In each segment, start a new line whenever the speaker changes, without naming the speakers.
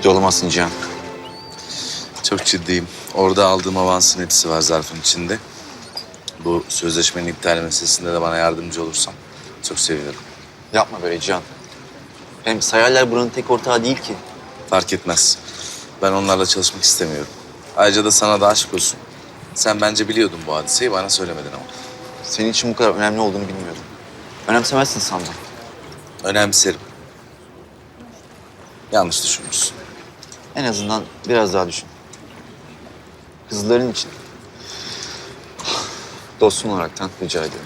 Ciddi olamazsın Cihan.
Çok ciddiyim. Orada aldığım avansın hepsi var zarfın içinde. Bu sözleşmenin iptal meselesinde de bana yardımcı olursan çok sevinirim.
Yapma böyle Cihan. Hem Sayarlar buranın tek ortağı değil ki.
Fark etmez. Ben onlarla çalışmak istemiyorum. Ayrıca da sana da aşk olsun. Sen bence biliyordun bu hadiseyi, bana söylemedin ama.
Senin için bu kadar önemli olduğunu bilmiyordum. Önemsemezsin sandım.
Önemserim. Yanlış düşünmüşsün.
En azından biraz daha düşün. Kızların için. Dostum olaraktan rica ediyorum.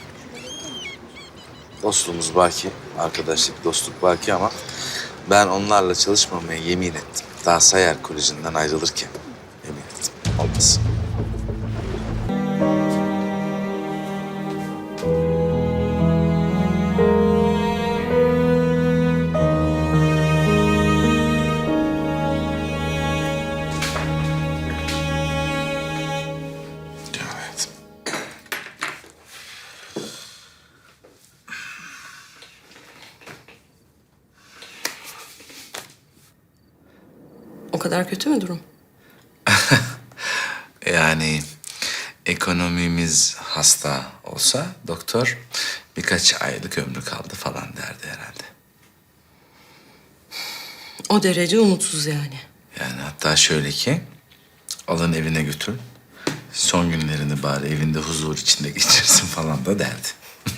Dostluğumuz baki, arkadaşlık, dostluk baki ama ben onlarla çalışmamaya yemin ettim. Daha Sayar Koleji'nden ayrılırken yemin ettim. Olmaz. Evet.
O kadar kötü mü durum?
Yani ekonomimiz hasta olsa doktor birkaç aylık ömrü kaldı falan derdi herhalde.
O derece umutsuz yani.
Yani hatta şöyle ki alın evine götür. Son günlerini bari evinde huzur içinde geçirsin falan da derdi.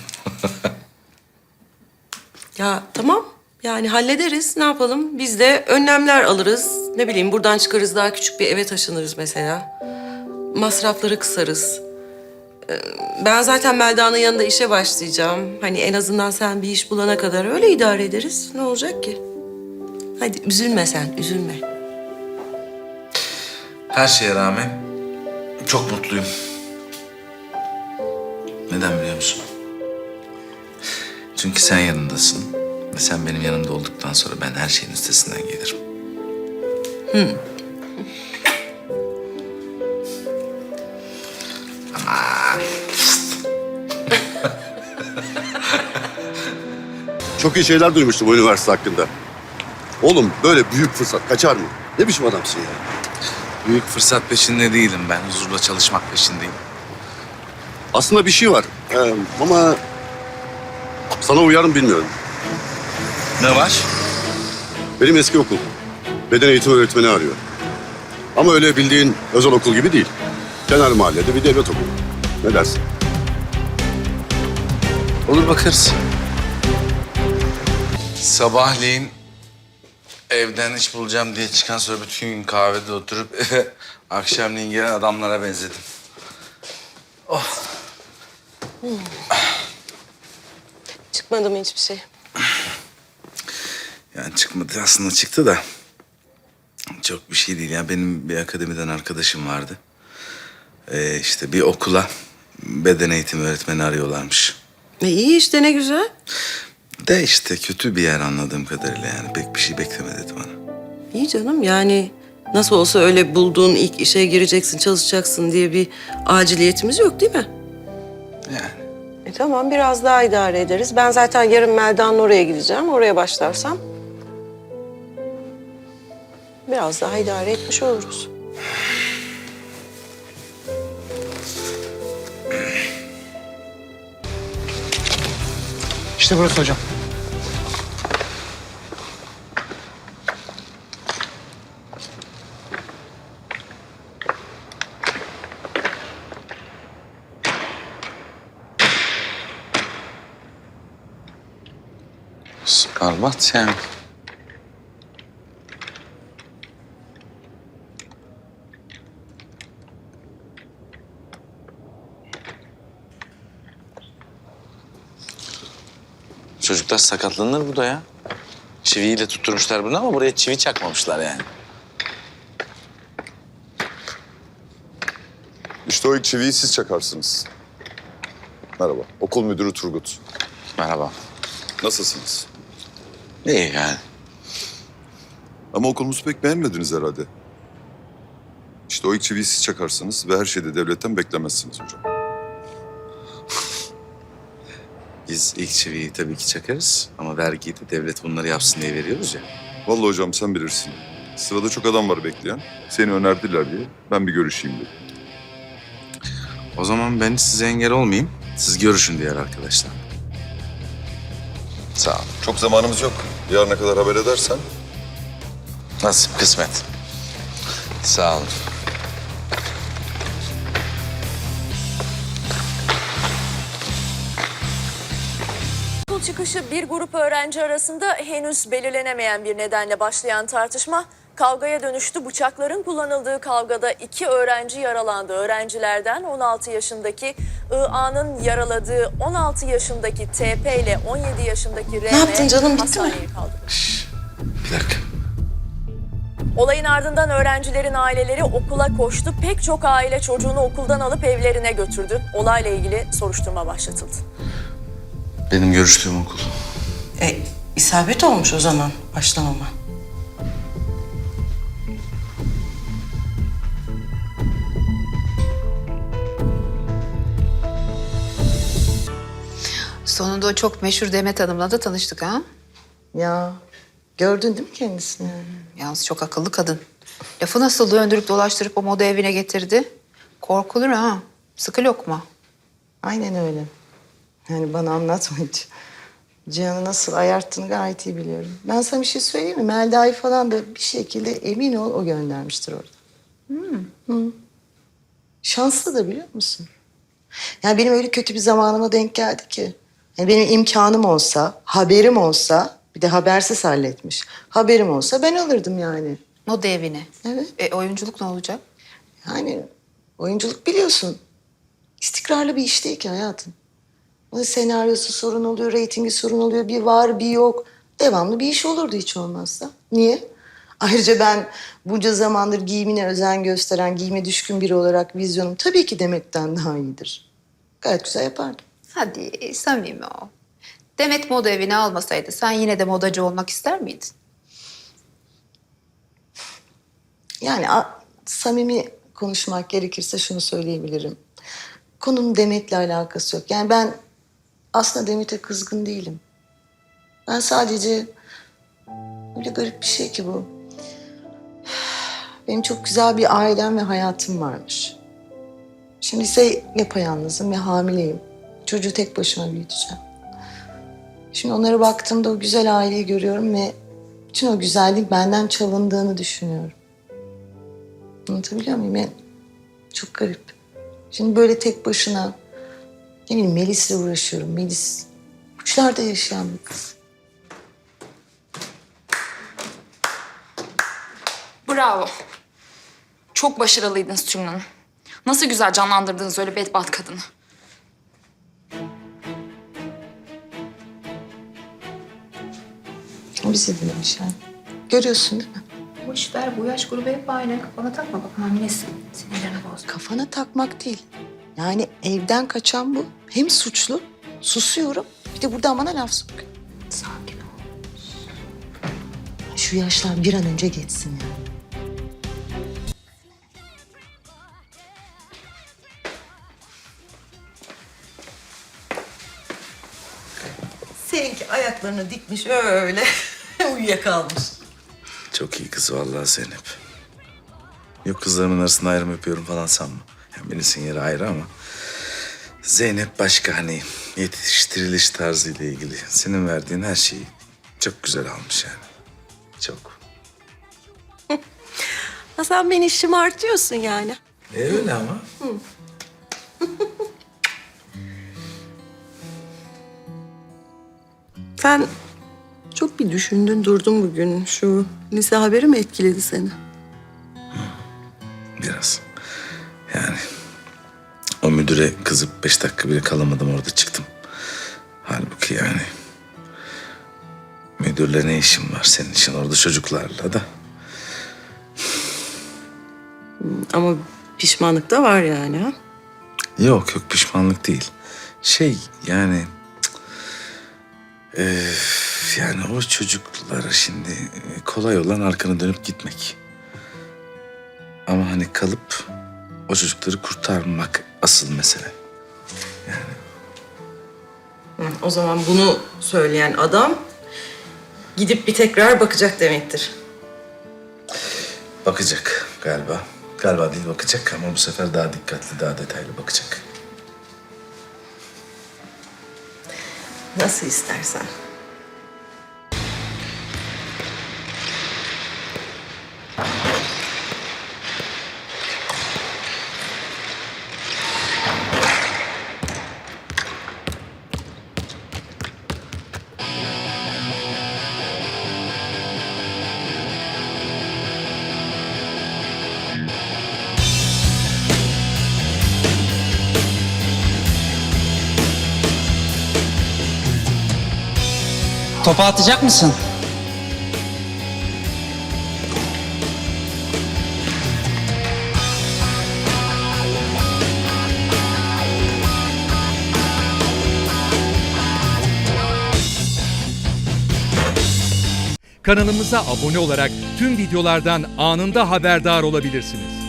Ya tamam. Yani hallederiz. Ne yapalım? Biz de önlemler alırız. Ne bileyim buradan çıkarız daha küçük bir eve taşınırız mesela. Masrafları kısarız. Ben zaten Melda'nın yanında işe başlayacağım. Hani en azından sen bir iş bulana kadar öyle idare ederiz. Ne olacak ki? Hadi üzülme sen, üzülme.
Her şeye rağmen çok mutluyum. Neden biliyor musun? Çünkü sen yanındasın. Ve sen benim yanımda olduktan sonra ben her şeyin üstesinden gelirim.
Çok iyi şeyler duymuştum o üniversite hakkında. Oğlum böyle büyük fırsat kaçar mı? Ne biçim adamsın ya?
Büyük fırsat peşinde değilim ben. Huzurla çalışmak peşindeyim.
Aslında bir şey var ama sana uyar mı bilmiyorum.
Ne var?
Benim eski okul beden eğitimi öğretmeni arıyor. Ama öyle bildiğin özel okul gibi değil. Kenar mahallede bir devlet okulu. Ne dersin?
Olur bakarız. Sabahleyin evden iş bulacağım diye çıkan sonra bütün gün kahvede oturup akşamleyin gelen adamlara benzedim.
Çıkmadı mı hiçbir şey?
Yani çıkmadı aslında çıktı da çok bir şey değil. Ya benim bir akademiden arkadaşım vardı. İşte bir okula beden eğitimi öğretmeni arıyorlarmış.
İyi işte ne güzel.
De işte kötü bir yer anladığım kadarıyla yani pek bir şey bekleme dedi bana.
İyi canım yani nasıl olsa öyle bulduğun ilk işe gireceksin, çalışacaksın diye bir aciliyetimiz yok değil mi?
Yani
Tamam biraz daha idare ederiz. Ben zaten yarın Melda'nın oraya gideceğim. Oraya başlarsam biraz daha idare etmiş oluruz.
İşte burası hocam.
berbat yani. Çocuklar sakatlanır burada ya. Çiviyle tutturmuşlar bunu ama buraya çivi çakmamışlar yani.
İşte o ilk çiviyi siz çakarsınız. Merhaba, okul müdürü Turgut.
Merhaba.
Nasılsınız?
İyi yani.
Ama okulumuzu pek beğenmediniz herhalde. İşte o ilk çiviyi siz çakarsınız ve her şeyi de devletten beklemezsiniz hocam.
Biz ilk çiviyi tabii ki çakarız ama vergiyi de devlet bunları yapsın diye veriyoruz ya.
Vallahi hocam sen bilirsin. Sırada çok adam var bekleyen. Seni önerdiler diye ben bir görüşeyim dedim.
O zaman ben size engel olmayayım. Siz görüşün diğer arkadaşlar. Sağ olun.
Çok zamanımız yok. Yarına kadar haber edersen.
Nasip, kısmet. Sağ olun.
Okul çıkışı bir grup öğrenci arasında henüz belirlenemeyen bir nedenle başlayan tartışma kavgaya dönüştü. Bıçakların kullanıldığı kavgada 2 öğrenci yaralandı. Öğrencilerden 16 yaşındaki IA'nın yaraladığı 16 yaşındaki TP ile 17 yaşındaki RM
Ne yaptın canım, bitti mi?
hastaneye kaldırıldı.
Bir dakika.
Olayın ardından öğrencilerin aileleri okula koştu. Pek çok aile çocuğunu okuldan alıp evlerine götürdü. Olayla ilgili soruşturma başlatıldı.
Benim görüştüğüm okul.
İsabet olmuş o zaman başlamama.
Sonunda o çok meşhur Demet Hanım'la da tanıştık ha.
Ya gördün değil mi kendisini?
Yalnız çok akıllı kadın. Lafı nasıl döndürüp dolaştırıp o moda evine getirdi. Korkulur ha. Sıkı lokma.
Aynen öyle. Yani bana anlatma hiç. Cihan'ı nasıl ayarttığını gayet iyi biliyorum. Ben sana bir şey söyleyeyim mi? Melda'yı falan da bir şekilde emin ol o göndermiştir orada. Hı. Şanslı da biliyor musun? Yani benim öyle kötü bir zamanıma denk geldi ki. Yani benim imkanım olsa, haberim olsa, bir de habersiz halletmiş. Haberim olsa ben alırdım yani.
Moda evine.
Evet.
Oyunculuk ne olacak?
Yani oyunculuk biliyorsun. İstikrarlı bir iş değil ki hayatım. Onun senaryosu sorun oluyor, reytingi sorun oluyor. Bir var, bir yok. Devamlı bir iş olurdu hiç olmazsa. Niye? Ayrıca ben bunca zamandır giyimine özen gösteren, giyime düşkün biri olarak vizyonum tabii ki Demet'ten daha iyidir. Gayet güzel yapardım.
Hadi samimi ol. Demet moda evine almasaydı sen yine de modacı olmak ister miydin?
Yani samimi konuşmak gerekirse şunu söyleyebilirim. Konunun Demet'le alakası yok. Yani ben aslında Demet'e kızgın değilim. Ben sadece öyle garip bir şey ki bu. Benim çok güzel bir ailem ve hayatım varmış. Şimdi ise yapayalnızım ve hamileyim. Çocuğu tek başıma büyüteceğim. Şimdi onlara baktığımda o güzel aileyi görüyorum ve bütün o güzelliğin benden çalındığını düşünüyorum. Anlatabiliyor muyum? Yani çok garip. Şimdi böyle tek başına, ne bileyim Melis'le uğraşıyorum. Melis uçlarda yaşayan bir kız.
Bravo. Çok başarılıydınız Tülin Hanım. Nasıl güzel canlandırdınız öyle bedbaht kadını.
Bize demiş yani. Görüyorsun değil mi?
Boş ver, bu yaş grubu hep aynı. Kafana takma, bak hamilesin. Sinirlerini bozma.
Kafana takmak değil. Yani evden kaçan bu. Hem suçlu, susuyorum. Bir de burada bana laf sokuyor.
Sakin ol.
Şu yaşlar bir an önce geçsin yani.
Seninki ayaklarını dikmiş öyle uyuyakalmış.
Çok iyi kız vallahi Zeynep. Yok kızlarımın arasında ayrım yapıyorum falan sanma. Yani Melis'in yeri ayrı ama... Zeynep başka hani yetiştiriliş tarzıyla ilgili. Senin verdiğin her şeyi çok güzel almış yani. Çok.
Ha, sen beni şımartıyorsun yani.
Öyle ama.
Sen çok bir düşündün durdun bugün. Şu lise haberi mi etkiledi seni?
Biraz. Yani o müdüre kızıp 5 dakika bile kalamadım orada çıktım. Halbuki yani müdürle ne işin var senin için orada çocuklarla da.
Ama pişmanlık da var yani ha?
Yok pişmanlık değil. Yani yani o çocuklara şimdi kolay olan arkanı dönüp gitmek. Ama hani kalıp o çocukları kurtarmak asıl mesele.
O zaman bunu söyleyen adam gidip bir tekrar bakacak demektir.
Bakacak galiba. Galiba değil, bakacak ama bu sefer daha dikkatli, daha detaylı bakacak.
Nasıl istersen.
Topu atacak mısın?
Kanalımıza abone olarak tüm videolardan anında haberdar olabilirsiniz.